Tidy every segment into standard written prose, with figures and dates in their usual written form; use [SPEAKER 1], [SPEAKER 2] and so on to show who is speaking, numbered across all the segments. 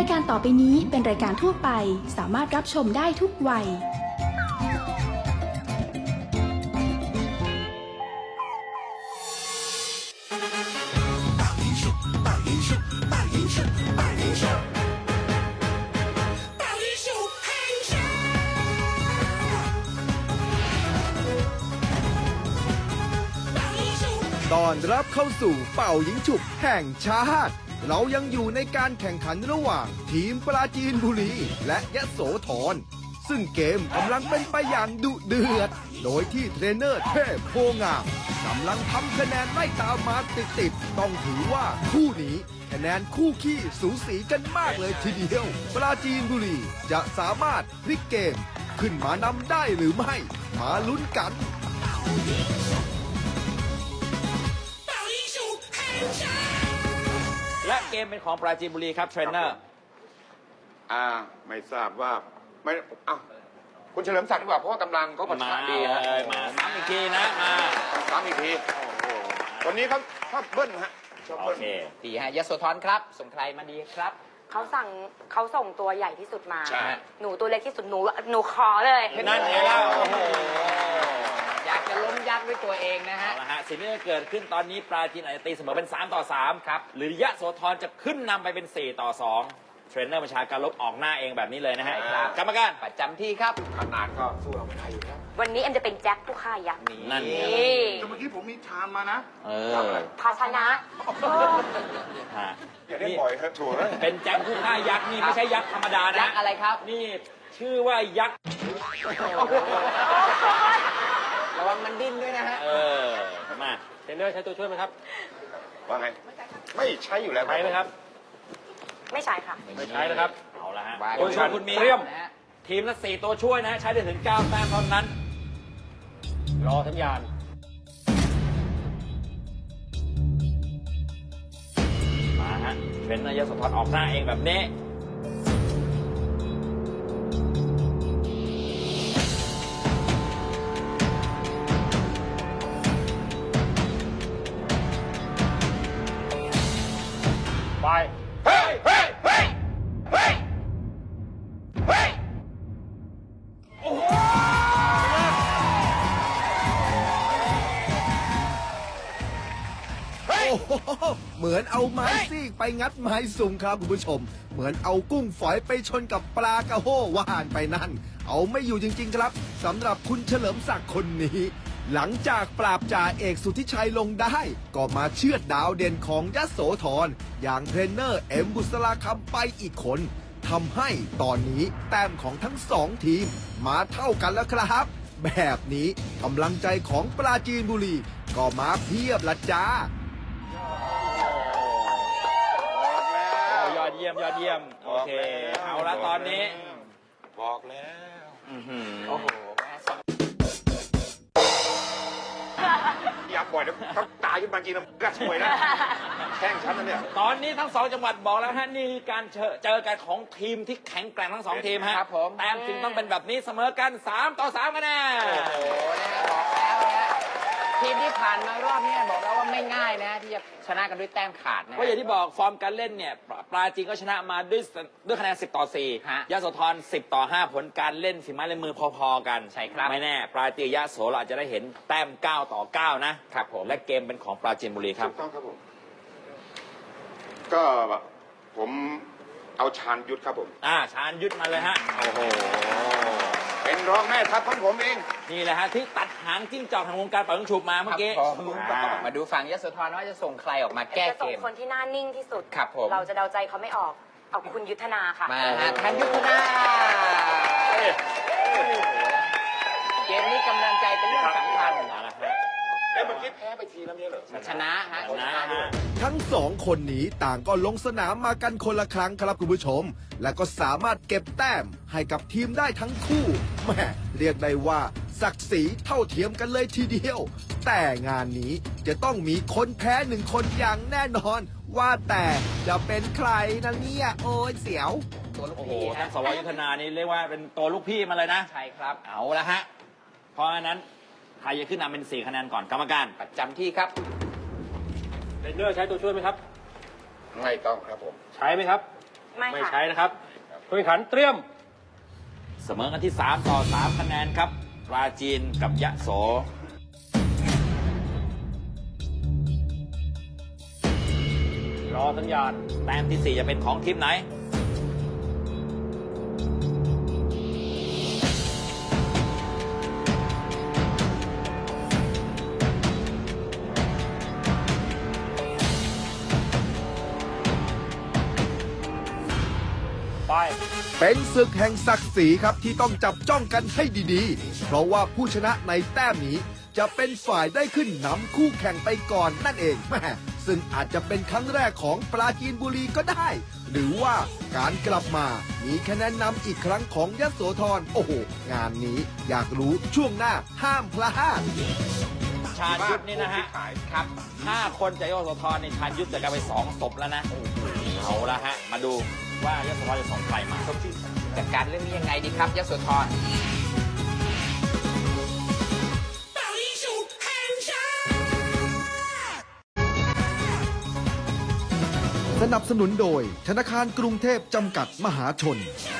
[SPEAKER 1] การต่อไปนี้เป็นรายการทั่วไปสามารถรับชมได้ทุกวัย
[SPEAKER 2] ต้อนรับเข้าสู่เป่ายิงฉุบแห่งชาติเรายังอยู่ในการแข่งขันระหว่างทีมปราจีนบุรีและยโสธรซึ่งเกมกำลังเป็นไปอย่างดุเดือดโดยที่เทรนเนอร์เทพโพงามกำลังทำคะแนนไล่ตามมาติดๆต้องถือว่าคู่นี้คะแนนคู่ขี้สูสีกันมากเลยทีเดียวปราจีนบุรีจะสามารถพลิกเกมขึ้นมานำได้หรือไม่มาลุ้นกัน
[SPEAKER 3] และเกมเป็นของปราจีนบุรีครับเทรนเนอร์
[SPEAKER 4] ไม่ทราบว่าไม่คุณเฉลิมศักดิ์ดีกว่าเพราะว่ากำลังเขาปะทะดีฮะ
[SPEAKER 3] มาซ้ำอีกทีนะมา
[SPEAKER 4] ซ้ำอีกทีวันนี้เขาชอบเบิ้ลฮะชอบ
[SPEAKER 3] โอ
[SPEAKER 4] เบิ้ล
[SPEAKER 3] เค
[SPEAKER 5] ดีฮะยโสธรครับส่งใครมาดีครับ
[SPEAKER 6] เขาส่งตัวใหญ่ที่สุดมา
[SPEAKER 4] ใช่
[SPEAKER 6] หนูตัวเล็กที่สุดหนูขอเลย
[SPEAKER 3] นั่นไงล่ะโอ้โห
[SPEAKER 5] อยากจะล้มยักษ์ด้วยตัวเองนะฮะ
[SPEAKER 3] เอาละฮะสิ่งที่จะเกิดขึ้นตอนนี้ปราจีนอาจจะตีเสมอเป็น3-3ครับหรือยะโสธรจะขึ้นนำไปเป็น4-2เทรนเนอร์บัญชาการลบออกหน้าเองแบบนี้เลยนะฮะกรรมการ
[SPEAKER 5] ประจำที่ครับ
[SPEAKER 4] ขนาดก็สู้เราไม่ได้อยู่แล้ว
[SPEAKER 6] วันนี้เอ็มจะเป็นแจ็คผู้ฆ่ายักษ์
[SPEAKER 3] นั่นไง
[SPEAKER 6] นี่
[SPEAKER 4] แต่เมื่อกี้ผมมีชามมานะ
[SPEAKER 3] ทำอะไร
[SPEAKER 6] ภาชนะ
[SPEAKER 3] ฮะ
[SPEAKER 4] อย่าได้บ่อยเถอะถั่วเลย
[SPEAKER 3] เป็นแจ็คผู้ฆ่ายักษ์นี่ไม่ใช่ยักษ์ธรรมดานะ
[SPEAKER 5] ยักษ์อะไรครับ
[SPEAKER 3] นี่ชื่อว่ายักษ์
[SPEAKER 5] ระวังมันดิ้นด้วยนะฮะ
[SPEAKER 3] มาเทรนเนอร์ใช้ตัวช่วยไหมครับ
[SPEAKER 4] ว่าไงไม่ใช้อยู่แล้ว
[SPEAKER 3] ใช้ไหมครับ
[SPEAKER 6] ไม่ใช่ค่ะ
[SPEAKER 3] ไม่ใช้นะครับเอาละฮะ
[SPEAKER 5] วาง
[SPEAKER 3] ตัวช่วยคุณมี
[SPEAKER 5] เตรียมนะฮะ
[SPEAKER 3] ทีมละ4ตัวช่วยนะฮะใช้ได้ถึง9แต้มเท่านั้น รอสัญญาณมาฮะเทรนเนอร์ยโสธรออกหน้าเองแบบนี้ไป
[SPEAKER 4] เฮ้ยเฮ้ยเฮ้ยเฮ้ยเฮ้ย
[SPEAKER 3] โอ้โห
[SPEAKER 2] โอ้โหเหมือนเอาไม้ซีกไปงัดไม้สุ่มครับคุณผู้ชม เหมือนเอากุ้งฝอยไปชนกับปลากระโห้ว่านไปนั่น เอาไม่อยู่จริงๆครับสำหรับคุณเฉลิมศักดิ์คนนี้ หลังจากปราบจ่าเอกสุทธิชัยลงได้ ก็มาเชือดดาวเด่นของยโสธรอย่างเทรนเนอร์เอ็มบุษราคำไปอีกคนทำให้ตอนนี้แต้มของทั้งสองทีมมาเท่ากันแล้วครับ แบบนี้กำลังใจของปราจีนบุรีก็มาเพียบละจ้า
[SPEAKER 4] บอกแล้ว
[SPEAKER 3] ยอดเยี่ยมยอดเยี่ยมโอเคเอาละตอนนี้
[SPEAKER 4] บอกแล้ว
[SPEAKER 5] โอ้โห
[SPEAKER 4] อย่าบ่อยนะเขาตายขึ้นมาจริงนะกระช่วยนะแข่งฉันนะเนี่ย
[SPEAKER 3] ตอนนี้ทั้ง2จังหวัดบอกแล้วฮะนี่คือการเจอกันของทีมที่แข็งแกร่งทั้ง2ทีมฮะ
[SPEAKER 5] ครับผม
[SPEAKER 3] แต้มจึงต้องเป็นแบบนี้เสมอกัน3-3กันแน่
[SPEAKER 5] โอ้โหนะฮะบอกแล้วนะฮะทีมที่ผ่านมารอบนี้บอกแล้วว่าไม่ง่ายนะที่จะชนะกันด้วยแต้มขาดนะ
[SPEAKER 3] ก็อย่างที่บอกฟอร์มการเล่นเนี่ยปราจีนก็ชนะมาด้วยคะแนน10-4
[SPEAKER 5] ฮะ
[SPEAKER 3] ยโสธร10-5ผลการเล่นฝีไม้ลายมือพอๆกัน
[SPEAKER 5] ใช่ครับ
[SPEAKER 3] ไม่แน่ปราจีนยโสเราอาจจะได้เห็นแต้ม9-9นะครับผมและเกมเป็นของปราจีนบุรีครับ
[SPEAKER 4] ถูกต้องครับผมก็ผมเอาชาญยุทธครับผม
[SPEAKER 3] ชาญยุทธมาเลยฮะโอ้โห
[SPEAKER 4] เป็นรองแม่ทัพของผมเอง
[SPEAKER 3] นี่แหละฮะที่ตัดหางจิ้งจอกทางวงการปล่อยลูกฉุบมาเมื่อกี้
[SPEAKER 5] ครับผม
[SPEAKER 3] มาดู
[SPEAKER 5] มาดูฝั่งยโสธรว่าจะส่งใครออกมาแก้
[SPEAKER 6] จะ
[SPEAKER 5] เก
[SPEAKER 6] ส่ง
[SPEAKER 5] ม
[SPEAKER 6] คนที่หน้านิ่งที่สุด
[SPEAKER 5] ครับผม
[SPEAKER 6] เราจะเดาใจเขาไม่ออก เอาคุณยุทธนาค่ะ
[SPEAKER 5] มาฮะทันยุทธนาเกมนี้กำลังใจเป็นเรื่องสำคัญ
[SPEAKER 3] มาแล้วฮะ
[SPEAKER 4] แล้วเมื่อกี้แพ้ไปทีแล้วเนี่ยเหรอ
[SPEAKER 5] ชนะฮะ
[SPEAKER 3] ชนะฮะ
[SPEAKER 2] ทั้งสองคนนี้ต่างก็ลงสนามมากันคนละครั้งครับคุณผู้ชม และก็สามารถเก็บแต้มให้กับทีมได้ทั้งคู่แหม่เรียกได้ว่าศักดิ์ศรีเท่าเทียมกันเลยทีเดียว แต่งานนี้จะต้องมีคนแพ้หนึ่งคนอย่างแน่นอน ว่าแต่จะเป็นใครนะเนี่ยโอ้ยเสียว
[SPEAKER 5] ตัวลูก
[SPEAKER 3] โอ้โห
[SPEAKER 5] พี่
[SPEAKER 3] ท่า
[SPEAKER 5] ฮะ
[SPEAKER 3] นสวยุทธนานี่เรียกว่าเป็นตัวลูกพี่มาเลยนะ
[SPEAKER 5] ใช่ครับ
[SPEAKER 3] เอาละฮะ เพราะฉะนั้นใครจะขึ้นนำเป็น4คะแนนก่อนกรรมการ
[SPEAKER 5] ประจำที่ครับ
[SPEAKER 3] เทรนเนอร์ใช้ตัวช่วยไหมครับ
[SPEAKER 4] ไม่ต้องครับผม
[SPEAKER 3] ใช้ไหมครับ
[SPEAKER 6] ไม่
[SPEAKER 7] ไม่
[SPEAKER 6] ค่ะ
[SPEAKER 7] ใช้นะครับผู้แข่งขันเตรียม
[SPEAKER 3] เสมอกันที่ 3 ต่อ 3 คะแนนครับ ปราจีนกับยะโส
[SPEAKER 7] รอสัญญาณ
[SPEAKER 3] แต้มที่ 4 จะเป็นของทีมไหน
[SPEAKER 7] ไป
[SPEAKER 2] เป็นศึกแห่งศักดิ์ศรีครับที่ต้องจับจ้องกันให้ดีๆ เพราะว่าผู้ชนะในแต้มนี้จะเป็นฝ่ายได้ขึ้นนำคู่แข่งไปก่อนนั่นเองแม่ซึ่งอาจจะเป็นครั้งแรกของปราจีนบุรีก็ได้ หรือว่าการกลับมามีคะแนนนำอีกครั้งของยโสธรโอ้โห งานนี้อยากรู้ช่วงหน้าห้ามพลาด
[SPEAKER 3] ชาญยุทธนี่นะฮะ ครับ 5 คนจากยโสธรในชาญยุทธจะกลายเป็น2ศพแล้วนะ เอาละฮะ มาดูว่ายโสธรจะส่งใครมา
[SPEAKER 5] จัดการเรื่องนี้ยังไงดีครับยโสธร
[SPEAKER 2] สนับสนุนโดยธนาคารกรุงเทพจำกัดมหาชน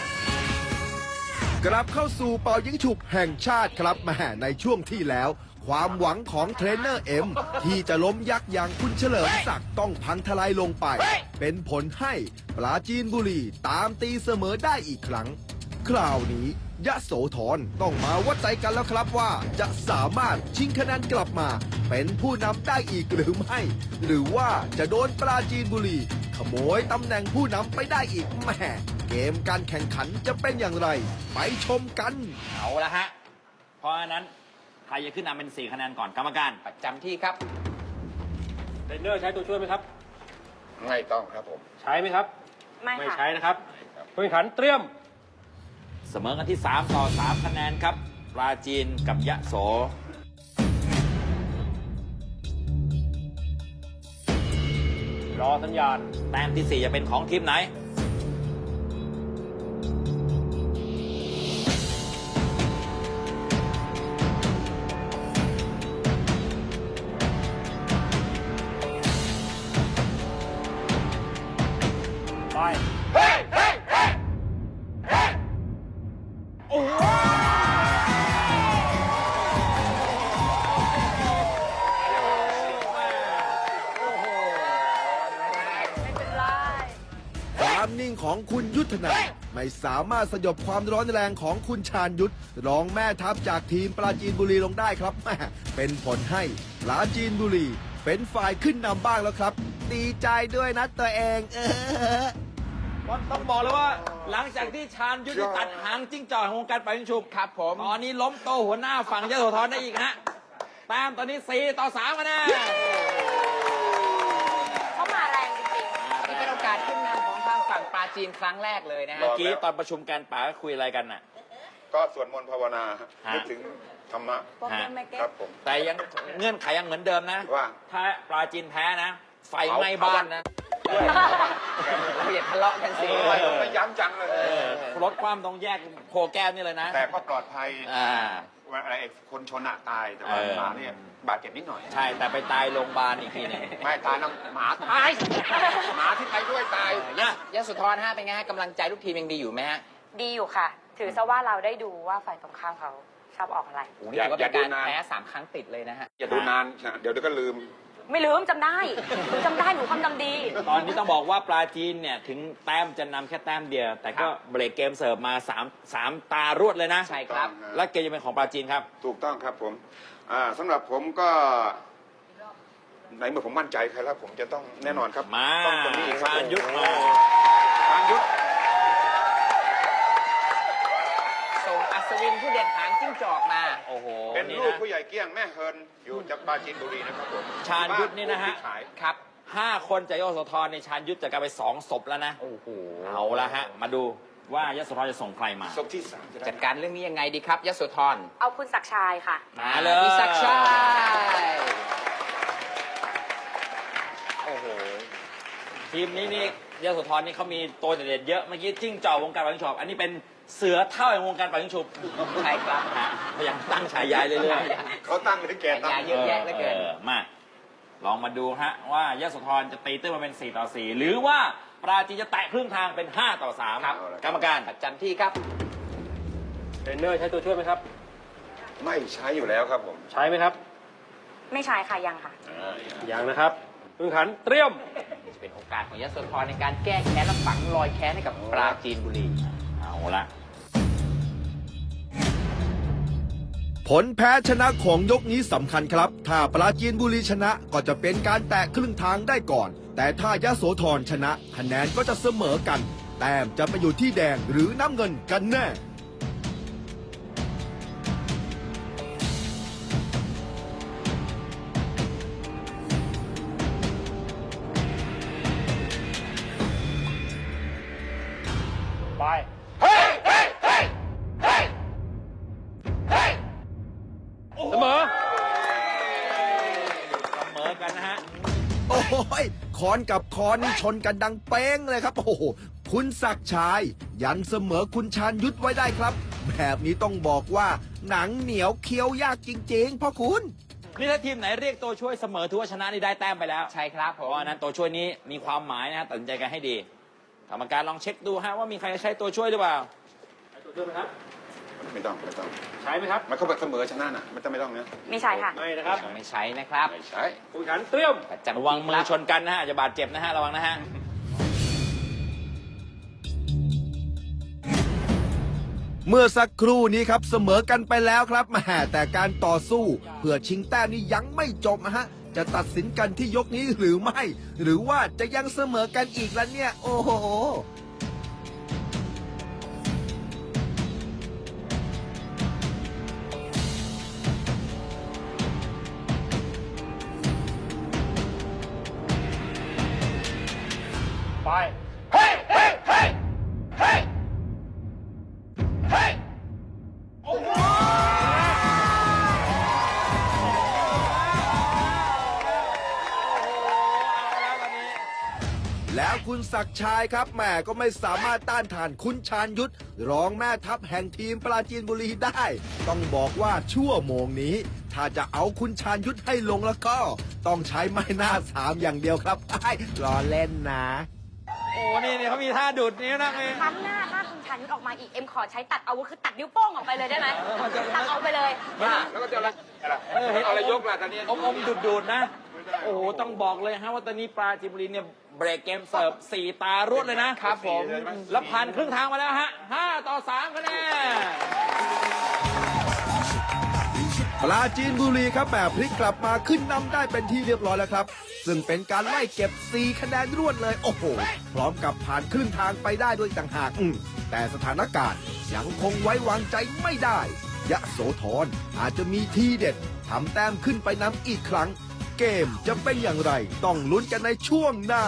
[SPEAKER 2] กลับเข้าสู่เป่ายิงฉุบแห่งชาติครับแม่ในช่วงที่แล้ว ความหวังของเทรนเนอร์เอ็มที่จะล้มยักษ์อย่างคุณเฉลิมศักดิ์ต้องพังทลายลงไป เป็นผลให้ปราจีนบุรีตามตีเสมอได้อีกครั้ง คราวนี้ยโสธรต้องมาวัดใจกันแล้วครับว่าจะสามารถชิงคะแนนกลับมา เป็นผู้นำได้อีกหรือไม่ หรือว่าจะโดนปราจีนบุรีขโมยตำแหน่งผู้นำไปได้อีกแหม่เกมการแข่งขันจะเป็นอย่างไร ไปชมกัน
[SPEAKER 3] เอาละฮะ เพราะฉะนั้นใครจะขึ้นนำเป็น 4 คะแนนก่อนกรรมการ
[SPEAKER 5] ประจำที่ครับ
[SPEAKER 7] เทรนเนอร์ใช้ตัวช่วยไหมครับ
[SPEAKER 4] ไม่ต้องครับผม
[SPEAKER 7] ใช้ไหมครับ
[SPEAKER 6] ไม่
[SPEAKER 7] ไม่
[SPEAKER 6] ค่ะ
[SPEAKER 7] ใช้นะครับผู้แข่งขันเตรียม
[SPEAKER 3] เสมอกันที่ 3 ต่อ 3 คะแนนครับ ปราจีนกับยะโส
[SPEAKER 7] รอสัญญาณ
[SPEAKER 3] แต้มที่ 4 จะเป็นของทีมไหน
[SPEAKER 7] ไป
[SPEAKER 2] ความนิ่งของคุณยุทธนาไม่สามารถสยบความร้อนแรงของคุณชาญยุทธรองแม่ทัพจากทีมปราจีนบุรีลงได้ครับแม่เป็นผลให้ปราจีนบุรีเป็นฝ่ายขึ้นนำบ้างแล้วครับ ดีใจด้วยนะตัวเอง
[SPEAKER 3] ต้องบอกเลยว่าหลังจากที่ชาญยุทธตัดหางจิ้งจอกของวงการปล่อยยิงฉุบ
[SPEAKER 5] ครับผม
[SPEAKER 3] ตอนนี้ล้มโตหัวหน้าฝั่งยโสธรได้อีกฮะแต้มตอนนี้ 4 ต่อ 3 คะแนน
[SPEAKER 6] เขามาแรงจริง
[SPEAKER 5] นี่เป็นโอกาสขึ้นนำของทางฝั่งปราจีนครั้งแรกเลยนะฮะ
[SPEAKER 3] เมื่อกี้ตอนประชุมการป่าก็คุยอะไรกันน่ะ
[SPEAKER 4] ก็สวดมนต์ภาวนา
[SPEAKER 3] ฮะ
[SPEAKER 4] นึกถึงธรรมะ
[SPEAKER 3] ฮะ
[SPEAKER 4] ครับผม
[SPEAKER 3] แต่ยังเงื่อนไขยังเหมือนเดิมนะ
[SPEAKER 4] ว่า
[SPEAKER 3] ถ้าปราจีนแพ้นะ ไฟไหม้บ้านนะ
[SPEAKER 5] เราอย่าทะเลาะกันสิ
[SPEAKER 4] ทำไมต้องไปย้ำจังเลย
[SPEAKER 3] รถความต้องแยกโคแก้วนี่เลยนะ
[SPEAKER 4] แต่ก็ปลอดภัย
[SPEAKER 3] อ่า
[SPEAKER 4] ว่าอะไรคนชนอะตายแต่ว่า
[SPEAKER 3] เออ
[SPEAKER 4] หมาเนี่ยบาดเจ็บนิดหน่อย
[SPEAKER 3] ใช่แต่ไปตายโรงพยาบาลอีกทีหนึง
[SPEAKER 4] ไม่ตายนะหมาตายหมาที่ไปด้วยตาย
[SPEAKER 5] ยโสธรฮะเป็นไงฮะกำลังใจลูกทีมยังดีอยู่ไหมฮะ
[SPEAKER 6] ๆ ดีอยู่ค่ะ ถือซะว่าเราได้ดูว่าฝ่ายตรงข้ามเขาชอบออกอะไร
[SPEAKER 5] โอ้โหนี่ถือว่าเป็นการแพ้3 ครั้งติดเลยนะฮะ
[SPEAKER 4] อย่าดูนานนะเดี๋ยวก็ลืม
[SPEAKER 6] ไม่ลืมจำได้หนูจำได้หนูความจำดี
[SPEAKER 3] ตอนนี้ต้องบอกว่าปราจีนเนี่ยถึงแต้มจะนำแค่แต้มเดียว แต่ก็เบรกเกมเสิร์ฟมา3 ตารวดเลยนะ
[SPEAKER 5] ใช่ครับ
[SPEAKER 3] และเกมจะเป็นของปราจีนครับ
[SPEAKER 4] ถูกต้องครับผมสำหรับผมก็ในเมื่อผมมั่นใจใครแล้วผมจะต้องแน่นอนครับ
[SPEAKER 3] มา
[SPEAKER 4] ต้องตรงนี้อีกครับ
[SPEAKER 3] ชาญยุทธมา
[SPEAKER 4] ชาญยุทธ
[SPEAKER 5] ส่งอัศวินผู้เด็ดหางจิ้งจอกมา
[SPEAKER 3] โอ้โห
[SPEAKER 4] เป็น
[SPEAKER 3] นี่
[SPEAKER 4] ลูก
[SPEAKER 3] นะ
[SPEAKER 4] ผู้ใหญ่เกี้ยงแม่เฮินอยู่จากปราจีนบุรีนะครับผม
[SPEAKER 3] ชาญยุทธนี่นะฮะ
[SPEAKER 4] บ้าผู้ที่ขาย
[SPEAKER 5] ครับ
[SPEAKER 3] 5 คนจากยโสธรในชาญยุทธจะกลายเป็น2 ศพแล้วนะ
[SPEAKER 5] โอ้โห
[SPEAKER 3] เอาละฮะ มาดูว่ายโสธรจะส่งใครมา
[SPEAKER 4] ศพที่สามจะได้
[SPEAKER 5] จัดการเรื่องนี้ยังไงดีครับยโสธร
[SPEAKER 6] เอาคุณศักดิ์ชายค่ะ
[SPEAKER 3] มาเลย
[SPEAKER 5] พี่ศักดิ์ชัย
[SPEAKER 3] โอ้โห ทีมนี้นี่ยโสธรนี่เขามีตัวเด็ดๆเยอะเมื่อกี้จิ้งจอกวงการปล่อยยิงฉุบอันนี้เป็นเสือเท่าแห่งวงการปล่อยยิงฉุบ
[SPEAKER 5] ใช่ครับ
[SPEAKER 3] ฮะพยายามตั้งฉายาเรื่อยๆ
[SPEAKER 4] เขาตั้งเลยแกตั้ง
[SPEAKER 5] เยอะแยะเหลือเกิน
[SPEAKER 3] มา ลองมาดูฮะว่ายโสธรจะตีตื้นมาเป็น4 ต่อ 4 หรือว่าปราจีนจะแตะครึ่งทางเป็น5 ต่อ 3
[SPEAKER 5] ครับ
[SPEAKER 3] กรรมการ
[SPEAKER 5] ประจำที่ครับ
[SPEAKER 7] เทรนเนอร์ใช้ตัวช่วยไหมครับ
[SPEAKER 4] ไม่ใช้อยู่แล้วครับผม
[SPEAKER 7] ใช้ไหมครับ
[SPEAKER 6] ไม่ใช่ค่ะยังค่ะ
[SPEAKER 7] ยังนะครับผู้แข่งขันเตรียม
[SPEAKER 5] จะเป็นโอกาสของยโสธรในการแก้แค้นและฝังรอยแค้นให้กับปราจีนบุรี
[SPEAKER 3] เอาละ
[SPEAKER 2] ผลแพ้ชนะของยกนี้สำคัญครับ ถ้าปราจีนบุรีชนะก็จะเป็นการแตะครึ่งทางได้ก่อน แต่ถ้ายโสธรชนะคะแนนก็จะเสมอกัน แต้มจะไปอยู่ที่แดงหรือน้ำเงินกันแน่
[SPEAKER 7] ไป เสมอ
[SPEAKER 3] เสมอกันนะฮะ
[SPEAKER 2] โอ้โหยคอนกับคอนนี่ชนกันดังเป้งเลยครับ โอ้โห คุณศักดิ์ชาย ยันเสมอคุณชาญยุทธไว้ได้ครับ แบบนี้ต้องบอกว่าหนังเหนียวเคี้ยวยากจริงๆพ่อคุณ
[SPEAKER 3] นี่ถ้าทีมไหนเรียกตัวช่วยเสมอถือว่าชนะนี่ได้แต้มไปแล้ว
[SPEAKER 5] ใช่ครับผ
[SPEAKER 3] เพราะ
[SPEAKER 5] ม
[SPEAKER 3] ว่านั้นตัวช่วยนี้มีความหมายนะฮะตัดสินใจกันให้ดี กรรมการลองเช็คดูฮะว่ามีใครจะใช้ตัวช่วยหรือเปล่า
[SPEAKER 7] ใช้ตัวช่วยไหมครับ
[SPEAKER 4] ไม่ต้อง
[SPEAKER 7] ใช้ไหมครับ
[SPEAKER 4] มันเข้าไปเสมอชนะน่ะไม่ต้องนะ
[SPEAKER 6] ไม่ใช่ค่ะ
[SPEAKER 7] ไม่นะครับ
[SPEAKER 5] ไม่ใช้นะครับ
[SPEAKER 4] ไม่ใช้
[SPEAKER 7] ผู้แข่งขันเตรียม
[SPEAKER 5] ประจำ
[SPEAKER 3] ระวังมือช
[SPEAKER 5] ครับ
[SPEAKER 3] นกันนะฮะอาจจะบาดเจ็บนะฮะระวังนะฮะ
[SPEAKER 2] เมื่อสักครู่นี้ครับเสมอกันไปแล้วครับแหมแต่การต่อสู้เพื่อชิงแต้มนี้ยังไม่จบนะฮะ จะตัดสินกันที่ยกนี้หรือไม่ หรือว่าจะยังเสมอกันอีกแล้วเนี่ย โอ้โห
[SPEAKER 7] ไป
[SPEAKER 2] แล้วคุณศักดิ์ชายครับแหมก็ไม่สามารถต้านทานคุณชาญยุทธรองแม่ทัพแห่งทีมปราจีนบุรีได้ ต้องบอกว่าชั่วโมงนี้ ถ้าจะเอาคุณชาญยุทธให้ลงแล้วก็ ต้องใช้ไม้หน้าสามอย่างเดียวครับไอ้รอเล่นนะ
[SPEAKER 3] โอ้นี่เขามีท่าดูดนิ้วนะมี
[SPEAKER 6] ครั้งหน้าถ้าคุณชาญยุทธออกมาอีก เอ็มขอใช้ตัดอาวุธคือตัดนิ้วโป้งออกไปเลยได้ไหมตัดออกไปเลย
[SPEAKER 4] แล้วก็จะอะไรอะไรยกล่ะตอนนี้
[SPEAKER 3] อมดูดนะ โอ้โห ต้องบอกเลยฮะว่าตอนนี้ปราจีนบุรีเนี่ยเบรกเกมเสิร์ฟ 4 ตารวดเลยนะครับ
[SPEAKER 5] ผม
[SPEAKER 3] แล้วผ่านครึ่งทางมาแล้วฮะ 5 ต่อ 3 คะแนน
[SPEAKER 2] ปราจีนบุรีครับแบบพลิกกลับมาขึ้นนำได้เป็นที่เรียบร้อยแล้วครับ ซึ่งเป็นการไล่เก็บ 4 คะแนนรวดเลย โอ้โห พร้อมกับผ่านครึ่งทางไปได้ด้วยต่างหากแต่สถานการณ์ยังคงไว้วางใจไม่ได้ยะโสธรอาจจะมีทีเด็ดทำแต้มขึ้นไปนำอีกครั้ง เกมจะเป็นอย่างไรต้องลุ้นกันในช่วงหน้า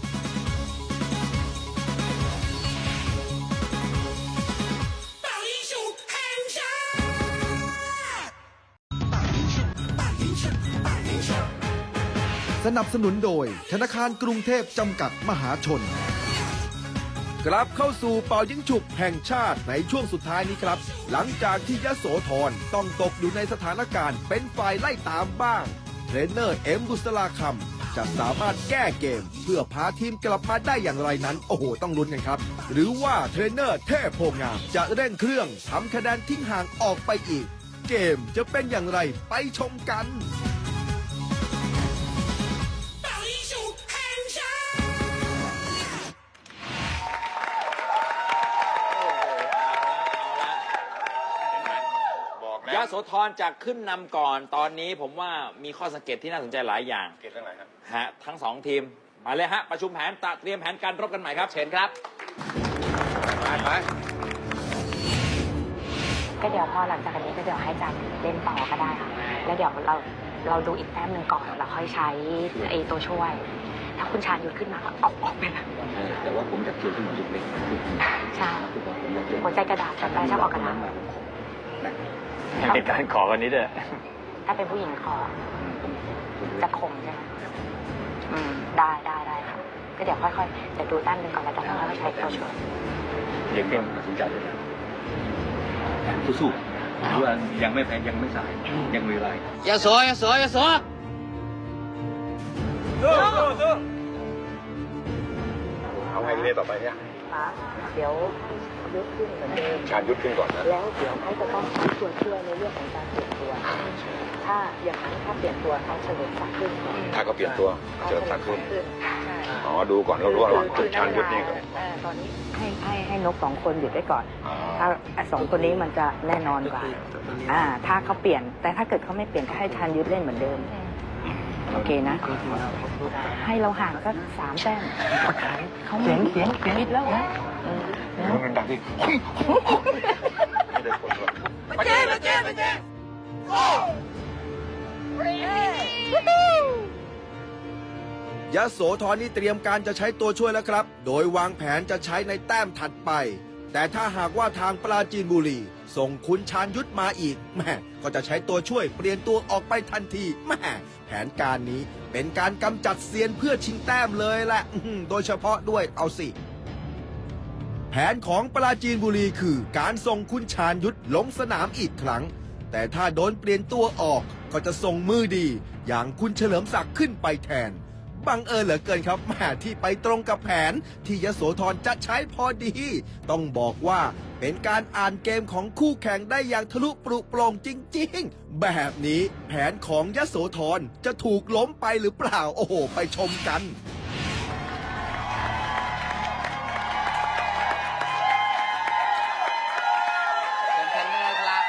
[SPEAKER 2] สนับสนุนโดยธนาคารกรุงเทพจำกัดมหาชน กลับเข้าสู่เป่ายิงฉุบแห่งชาติในช่วงสุดท้ายนี้ครับ หลังจากที่ยโสธรต้องตกอยู่ในสถานการณ์เป็นฝ่ายไล่ตามบ้าง เทรนเนอร์เอ็มบุษราคำจะสามารถแก้เกม เพื่อพาทีมกลับมาได้อย่างไรนั้น โอ้โห ต้องลุ้นกันครับ หรือว่าเทรนเนอร์เทพโพงามจะเร่งเครื่องทำคะแนนทิ้งห่างออกไปอีก เกมจะเป็นอย่างไรไปชมกัน
[SPEAKER 4] บอก
[SPEAKER 3] ยะ
[SPEAKER 4] แล้ว
[SPEAKER 3] โสธรจากขึ้นนำก่อน ตอนนี้ผมว่ามีข้อสังเกตที่น่าสนใจหลายอย่าง
[SPEAKER 4] เกตเรื่องอะไรครับ
[SPEAKER 3] ฮะทั้ง 2 ทีม มาเลยฮะ ประชุมแผนเตรียมแผนการรบกันใหม่ครับ
[SPEAKER 5] เชิญครับ
[SPEAKER 4] ไป
[SPEAKER 6] ก็เดี๋ยวพอหลังจากนี้ก็เดี๋ยวให้จันเล่นต่อก็ได้ค่ะ แล้วเดี๋ยวเราดูอีกแต้มหนึ่งก่อนเราค่อยใช้ไอ้ตัวช่วย ถ้าคุณชาญยุทธขึ้นมาก็ออกไปเลย
[SPEAKER 8] แต่ว่าผมจะเขียนขึ้นมาเล็กๆ
[SPEAKER 6] ใช่หัวใจกระดาษแต่แปลชอบออกกระดาษ
[SPEAKER 8] เป็นการขอวันนี้ด้วย
[SPEAKER 6] ถ้าเป็นผู้หญิงขอจะข่มใช่ไหมได้ค่ะ ก็เดี๋ยวค่อยๆเดี๋ยวดูแต้มหนึ่งก่อนแล้วจะค่อยๆใช้ตัวช่วย
[SPEAKER 8] เด็กเพิ่มตัดสินใจเลยสู้ๆหรือว่ายังไม่แพ้ยังไม่สาย ยังมีเวลา
[SPEAKER 5] อย่าโสอย่าโสอย่าโส
[SPEAKER 4] เอาไงทีนี้ต่อไปเนี่ย
[SPEAKER 6] คะเดี๋ยวยุดขึ้นเหมือนเดิม
[SPEAKER 4] ชาญยุทธขึ้นก่อนนะ
[SPEAKER 6] แล้วเดี๋ยวเขาจะต้องใช้ตัวช่วยในเรื่องของการเปลี่ยนตัว ถ้าอย่างนั้นถ้าเปลี่ยนตัวเขาเฉลิมศักดิ์ขึ้นก่อน
[SPEAKER 4] ถ้าเขาเปลี่ยนตัวเจอทักขึ้น
[SPEAKER 6] ใช่
[SPEAKER 4] อ๋อดูก่อนเรารู้ระหว่างคุณชาญยุทธนี่กับ
[SPEAKER 6] ตอนนี้ให้นกสองคนหยุดไว้ก่อน
[SPEAKER 4] อ๋อ
[SPEAKER 6] ถ้าสองคนนี้มันจะแน่นอนกว่าถ้าเขาเปลี่ยน แต่ถ้าเกิดเขาไม่เปลี่ยนก็ให้ชาญยุทธเล่นเหมือนเดิม โอเคนะ ให้เราห่างสัก3 แต้มเขาเสียงนิดแล้วนะ
[SPEAKER 4] มันดังที่ไม่ได้ผลด้วย
[SPEAKER 2] ยโสธรนี่เตรียมการจะใช้ตัวช่วยแล้วครับ โดยวางแผนจะใช้ในแต้มถัดไป แต่ถ้าหากว่าทางปราจีนบุรีส่งคุณชาญยุทธมาอีกแม่ก็จะใช้ตัวช่วยเปลี่ยนตัวออกไปทันทีแม่แผนการนี้เป็นการกำจัดเซียนเพื่อชิงแต้มเลยแหละโดยเฉพาะด้วยเอาสิ แผนของปราจีนบุรีคือการส่งคุณชาญยุทธลงสนามอีกครั้ง แต่ถ้าโดนเปลี่ยนตัวออกก็จะส่งมือดี อย่างคุณเฉลิมศักดิ์ขึ้นไปแทน บังเอิญเหลือเกินครับแม่ที่ไปตรงกับแผนที่ยโสธรจะใช้พอดี ต้องบอกว่าเป็นการอ่านเกมของคู่แข่งได้อย่างทะลุปรุโปร่งจริงๆ แบบนี้แผนของยโสธรจะถูกล้มไปหรือเปล่าโอ้โหไปชมกัน
[SPEAKER 5] เป็นเทรนเนอร์ครับ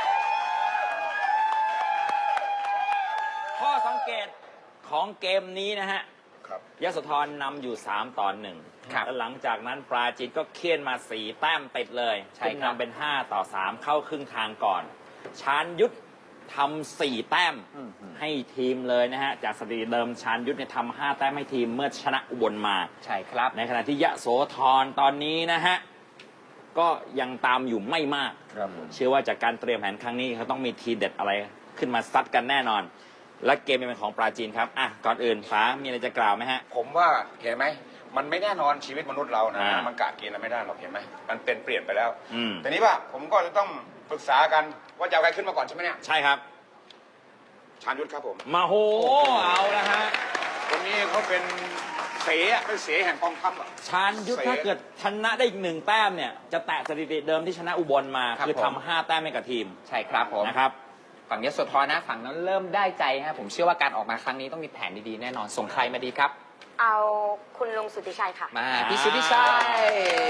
[SPEAKER 3] ข้อสังเกตของเกมนี้นะฮะ
[SPEAKER 4] ครับ
[SPEAKER 3] ยโสธรนำอยู่3-1
[SPEAKER 5] ครับ
[SPEAKER 3] แล้วหลังจากนั้นปราจีนก็เคี่ยนมา4 แต้มติดเลย
[SPEAKER 5] ใช่
[SPEAKER 3] ขึ้น
[SPEAKER 5] ครับ
[SPEAKER 3] นำเป็น5-3 เข้าครึ่งทางก่อน ชาญยุทธทำ4 แต้มให้ทีมเลยนะฮะ จากสถิติเดิมชาญยุทธเนี่ยทำ5 แต้มให้ทีมเมื่อชนะอุบลมา
[SPEAKER 5] ใช่ครับ
[SPEAKER 3] ในขณะที่ยโสธรตอนนี้นะฮะ ก็ยังตามอยู่ไม่มาก
[SPEAKER 4] ครับผม
[SPEAKER 3] เชื่อว่าจากการเตรียมแผนครั้งนี้เขาต้องมีทีเด็ดอะไรขึ้นมาซัดกันแน่นอน และเกมเป็นของปราจีนครับอ่ะก่อนอื่นฟ้ามีอะไรจะกล่าวไหมฮะ
[SPEAKER 4] ผมว่าเห็นไหมมันไม่แน่นอนชีวิตมนุษย์เรานะ
[SPEAKER 3] อ่ามั
[SPEAKER 4] มันกะเกณฑ์อะไรไม่ได้หรอกเห็นไหมมันเป็นเปลี่ยนไปแล้ว
[SPEAKER 3] อืม
[SPEAKER 4] แต่นี้ว่าผมก็จะต้องปรึกษากันว่าจะเอาใครขึ้นมาก่อนใช่ไหมเนี่ย
[SPEAKER 3] ใช่ครับ
[SPEAKER 4] ชาญยุทธครับผม
[SPEAKER 3] มาโหเอาละฮะ
[SPEAKER 4] คนนี้เขาเป็นเสอะเป็นเสแห่งกองทัพอะ
[SPEAKER 3] ชาญยุทธถ้าเกิดชนะได้อีก1 แต้มเนี่ยจะแตะสถิติเดิมที่ชนะอุบลมา
[SPEAKER 5] ครับ
[SPEAKER 3] คือ
[SPEAKER 5] ผม
[SPEAKER 3] ทำ5 แต้มให้กับทีม
[SPEAKER 5] ใช่ครับผม
[SPEAKER 3] นะครับ
[SPEAKER 5] ฝั่งยโสธรนะ ฝั่งนั้นเริ่มได้ใจฮะ ผมเชื่อว่าการออกมาครั้งนี้ต้องมีแผนดีๆแน่นอน ส่งใครมาดีครับ
[SPEAKER 6] เอาคุณลุงสุทธิชัยค่ะ
[SPEAKER 5] มาพี่สุทธิชัย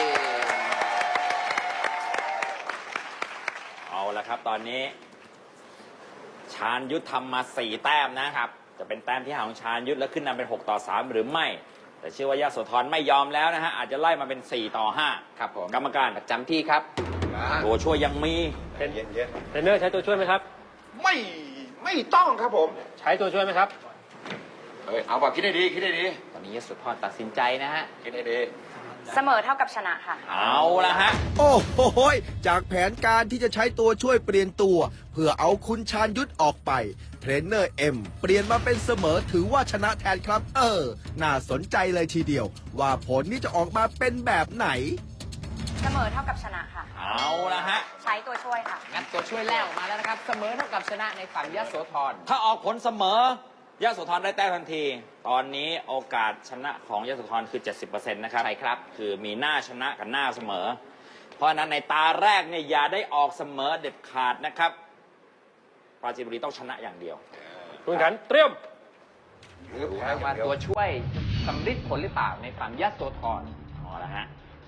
[SPEAKER 3] เอาละครับตอนนี้ ชาญยุทธทำมา4 แต้มนะครับ จะเป็นแต้มที่ห่างของชาญยุทธแล้วขึ้นนำเป็น6-3 หรือไม่ แต่เชื่อว่ายโสธรไม่ยอมแล้วนะฮะอาจจะไล่มาเป็น4-5
[SPEAKER 5] ครับผม
[SPEAKER 3] กรรมการ
[SPEAKER 5] ประจำที่ครับ
[SPEAKER 3] ตัวช่วยยังมี
[SPEAKER 4] เย็นเย็น
[SPEAKER 7] เทรนเนอร์ใช้ตัวช่วยไหมครับ
[SPEAKER 4] ไม่ต้องครับผม
[SPEAKER 7] ใช้ตัวช่วยไหมครับ
[SPEAKER 4] เอาแบบคิดให้ดีคิดให้ดี
[SPEAKER 5] ตอนนี้ยโสธรตัดสินใจนะฮะ
[SPEAKER 4] คิดให้ดี
[SPEAKER 6] เสมอเท่ากับชนะค่ะ
[SPEAKER 3] เอาละฮะ
[SPEAKER 2] โอ้โหยจากแผนการที่จะใช้ตัวช่วยเปลี่ยนตัว เพื่อเอาคุณชาญยุทธออกไป เทรนเนอร์เอ็มเปลี่ยนมาเป็นเสมอถือว่าชนะแทนครับ น่าสนใจเลยทีเดียว ว่าผลนี้จะออกมาเป็นแบบไหน
[SPEAKER 6] เสมอเท่ากับชนะค่ะ
[SPEAKER 3] เอาละฮะ
[SPEAKER 6] ใช้ตัวช่วยค่ะ
[SPEAKER 5] งั้นตัวช่วยแรกออกมาแล้วนะครับ เสมอเท่ากับชนะในฝั่งยโสธร
[SPEAKER 3] ถ้าออกผลเสมอยโสธรได้แต้มทันที ตอนนี้โอกาสชนะของยโสธรคือ 70% นะครับ
[SPEAKER 5] ใช่ครับ
[SPEAKER 3] คือมีหน้าชนะกับหน้าเสมอ เพราะฉะนั้นในตาแรกเนี่ยอย่าได้ออกเสมอเด็ดขาดนะครับ ปราจีนบุรีต้องชนะอย่างเดียว
[SPEAKER 7] คุณขันเตรียม
[SPEAKER 4] หรือ
[SPEAKER 5] ดู
[SPEAKER 4] แพ้
[SPEAKER 5] นะ
[SPEAKER 4] อย่า
[SPEAKER 5] ว่าง
[SPEAKER 4] เดียว
[SPEAKER 5] ตัวช่วยสำลิดผลหรือเปล่าในฝั่งยโสธร
[SPEAKER 3] เอาละฮะ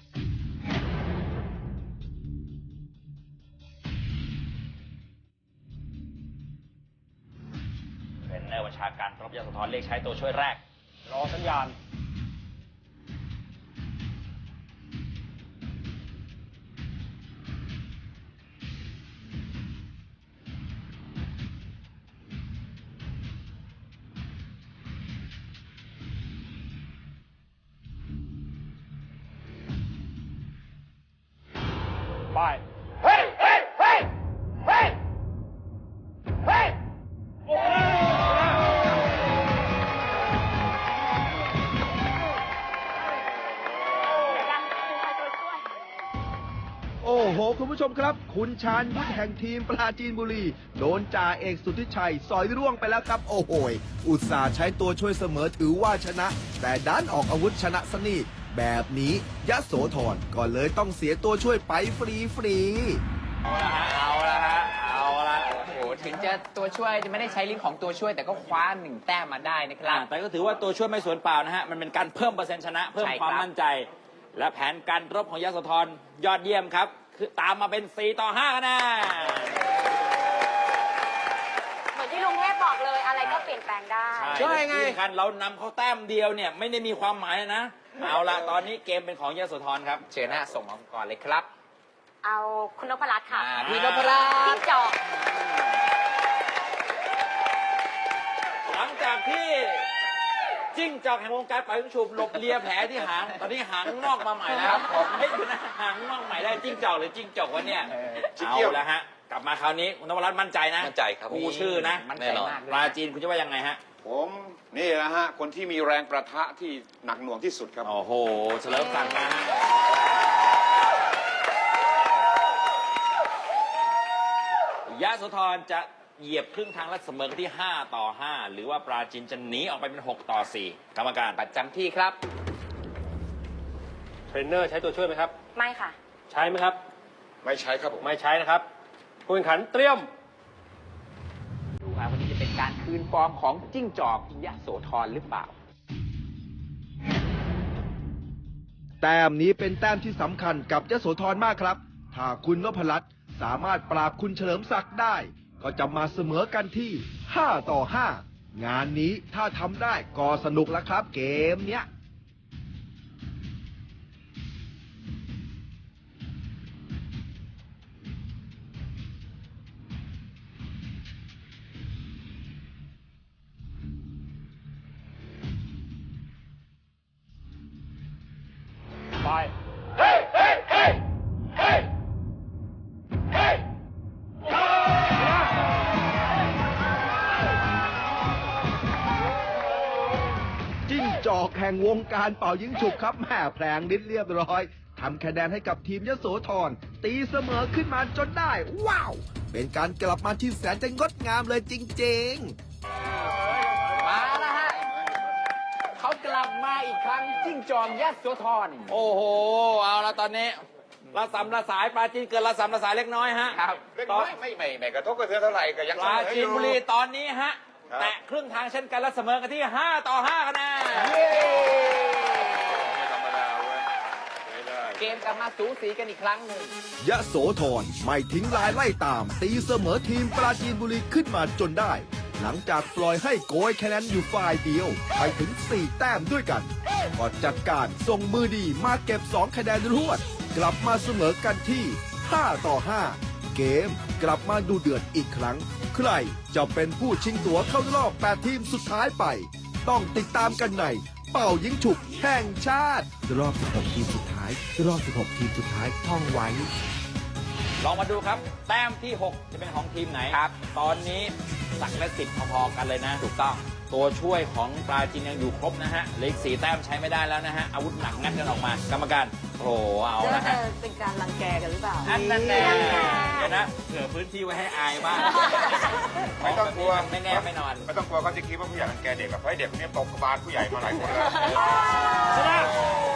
[SPEAKER 3] เทรนเนอร์บัญชาการรบยโสธรเรียกใช้ตัวช่วยแรก
[SPEAKER 7] รอสัญญาณ ไป
[SPEAKER 4] เฮ้ยเฮ้ยเฮ้ยเฮ้ยเฮ้ย
[SPEAKER 2] โอ้โห คุณผู้ชมครับ คุณชาญยุทธแห่งทีมปราจีนบุรี โดนจ่าเอกสุทธิชัยสอยร่วงไปแล้วครับ โอ้โหยอุตส่าห์ใช้ตัวช่วยเสมอถือว่าชนะ แต่ดันออกอาวุธชนะซะนี่แบบนี้ยโสธรก็เลยต้องเสียตัวช่วยไปฟรีๆ
[SPEAKER 3] เอาละฮะ เอาละ
[SPEAKER 5] โอ้โห ถึงจะตัวช่วยจะไม่ได้ใช้ลิ้นของตัวช่วยแต่ก็คว้า1 แต้มมาได้นะครับ
[SPEAKER 3] แต่ก็ถือว่าตัวช่วยไม่สูญเปล่านะฮะ มันเป็นการเพิ่มเปอร์เซ็นต์ชนะ เพิ่ม
[SPEAKER 5] ใช่ครับ
[SPEAKER 3] ความมั่นใจ และแผนการรบของยโสธรยอดเยี่ยมครับ คือตามมาเป็น 4-5 คะแนน
[SPEAKER 9] เหมือนที่ลุงเทพบอกเลยอะไรก็เปลี่ยนแปลงได้
[SPEAKER 3] ใช่ไงกันเรานำเขาแต้มเดียวเนี่ยไม่ได้มีความหมายนะ เอาละตอนนี้เกมเป็นของยโสธรครับ
[SPEAKER 5] เชิญหน้าส่งมาก่อนเลยครับ
[SPEAKER 9] เอาคุณนพรัตน์ค่ะ
[SPEAKER 5] พี่นพรัตน์
[SPEAKER 9] จิ้งจอก
[SPEAKER 3] หลังจากที่จิ้งจอกแห่งวงการปล่อยลูกฉุบหลบเลียแผลที่หาง ตอนนี้หางงอกมาใหม่แล้วครับผมไม่ดูนะหางงอกใหม่ได้จิ้งจอกหรือจิ้งจกวะเนี่ยเอาละฮะกลับมาคราวนี้คุณนพรัตน์มั่นใจนะ
[SPEAKER 8] มั่นใจครับ
[SPEAKER 3] กูชื่อนะ
[SPEAKER 5] มั่นใจมากเลย
[SPEAKER 3] ปลาจีนคุณจะว่ายังไงฮะ
[SPEAKER 4] ผมนี่นะฮะ คนที่มีแรงประทะที่หนักหน่วงที่สุดครับ
[SPEAKER 3] โอ้โหเฉลิมศักดิ์นะฮะยโสธรจะเหยียบครึ่งทางและเสมอกันที่5-5หรือว่าปราจีนจะหนีออกไปเป็น6-4กรรมการ
[SPEAKER 5] ประจำที่ครับ
[SPEAKER 7] เทรนเนอร์ใช้ตัวช่วยไหมครับ
[SPEAKER 9] ไม่ค่ะ
[SPEAKER 7] ใช้ไหมครับ
[SPEAKER 4] ไม่ใช้ครับผม
[SPEAKER 7] ไม่ใช้นะครับผู้แข่งขันเตรียม
[SPEAKER 5] ดูครับวันนี้จะเป็นการคืนฟอร์มของจิ้งจอกยโสธรหรือเปล่า
[SPEAKER 2] แต้มนี้เป็นแต้มที่สำคัญกับยโสธรมากครับ ถ้าคุณนพรัตน์สามารถปราบคุณเฉลิมศักดิ์ได้ ก็จะมาเสมอกันที่5-5งานนี้ถ้าทำได้ก็สนุกแล้วครับเกมเนี้ย
[SPEAKER 7] ไป
[SPEAKER 2] จิ้งจอกแห่งวงการเป่ายิงฉุบครับแม่แผลงนิดเรียบร้อยทำคะแนนให้กับทีมยโสธรตีเสมอขึ้นมาจนได้ ว้าว เป็นการกลับมาที่แสนจะงดงามเลยจริงๆ
[SPEAKER 5] มาแล้วฮะเขากลับมาอีกครั้งจิ้งจอกยโสธร
[SPEAKER 3] โอ้โห เอาละตอนนี้ระสำระสายปลาจีนเกินระสำระสายเล็กน้อยฮะ
[SPEAKER 5] ครับ
[SPEAKER 4] เล็กน้อยไม่กระทบกระเทือนเท่าไหร่ก็ยัง
[SPEAKER 3] ป
[SPEAKER 4] เส
[SPEAKER 3] ลาม
[SPEAKER 4] อ
[SPEAKER 3] จี
[SPEAKER 4] อน ยู่
[SPEAKER 3] บุรีตอนนี้ฮะ
[SPEAKER 4] ครับ
[SPEAKER 3] แตะครึ่งทางเช่นกันและเสมอกันที่5-5คะแนน
[SPEAKER 4] ไม่ธรรมดาเว้ยไม่ได้
[SPEAKER 5] เกมกลับมาสูสีกันอีกครั้งหนึ่ง
[SPEAKER 2] ยโสธรไม่ทิ้งลายไล่ตาม ตีเสมอทีมปราจีนบุรีขึ้นมาจนได้ หลังจากปล่อยให้โกยคะแนนอยู่ฝ่ายเดียวไปถึง 4 แต้มด้วยกันก็จัดการส่งมือดีมาเก็บ 2 คะแนนรวด กลับมาเสมอกันที่5-5เกมกลับมาดูเดือดอีกครั้ง ใครจะเป็นผู้ชิงตั๋วเข้ารอบ 8 ทีมสุดท้ายไป ต้องติดตามกันในเป่ายิงฉุบแห่งชาติ รอบ 16 ทีมสุดท้าย รอบ 16 ทีมสุดท้ายท่องไว้
[SPEAKER 3] ลองมาดูครับ แต้มที่ 6 จะเป็นของทีมไหนครับ ตอนนี้สักและ10พอๆกันเลยนะ ถูกต้อง ตัวช่วยของปลาจีนยังอยู่ครบนะฮะเหลืออีก4 แต้มใช้ไม่ได้แล้วนะฮะ อาวุธหนักงัดกันออกมา กรรมการ โอ้โห เอาละฮะ
[SPEAKER 9] เป็นการรังแกกันหรือเปล่า
[SPEAKER 3] อันนั้นแน่เดี๋ยวนะเผื่อพื้นที่ไว้ให้อายบ้าง
[SPEAKER 4] ไม่ต้องกลัว
[SPEAKER 3] ไม่แน่ไม่นอน
[SPEAKER 4] ไม่ต้องกลัวเขาจะคิดว่าผู้ใหญ่รังแกเด็กกับเพราะไอ้เด็กคนนี้ตกกระบาลผู้ใหญ่มาหลายคนแล้ว
[SPEAKER 3] ชนะ